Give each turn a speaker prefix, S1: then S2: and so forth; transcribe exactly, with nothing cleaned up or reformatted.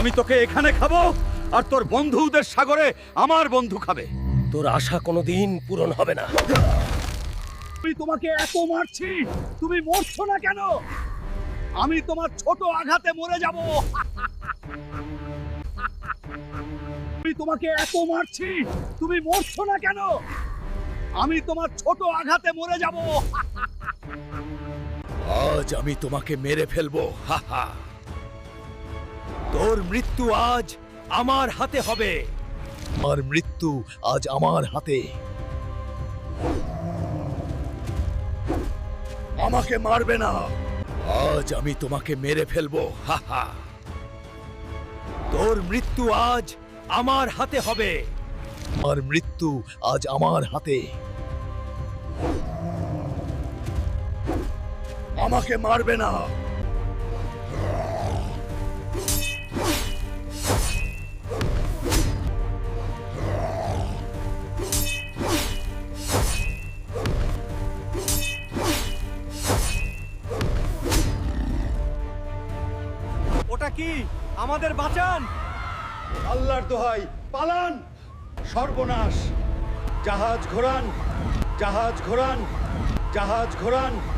S1: আমি তোকে এখানে খাবো আর তোর বন্ধুদের সাগরে আমার বন্ধু খাবে।
S2: তোর আশা কোনোদিন পূরণ হবে না।
S1: আমি তোমাকে এত মারছি, তুমি মরছো না কেন? আমি তোমার ছোট আঘাতে মরে যাব। আমি তোমাকে এত মারছি, তুমি মরছো না কেন? আমি তোমার ছোট আঘাতে মরে যাব।
S2: আজ আমি তোমাকে মেরে ফেলবো। হা হা। তোর মৃত্যু আজ আমার হাতে হবে। আর মৃত্যু আজ আমার হাতে। আমাকে মারবে না। আজ আমি তোমাকে মেরে ফেলবো। হা হা। তোর মৃত্যু আজ আমার হাতে হবে। আর মৃত্যু আজ আমার হাতে। আমাকে মারবে না।
S1: ওটা কি? আমাদের বাঁচান! আল্লাহর দোহাই, পালান! সর্বনাশ! জাহাজ ঘোরান, জাহাজ ঘোরান, জাহাজ ঘোরান।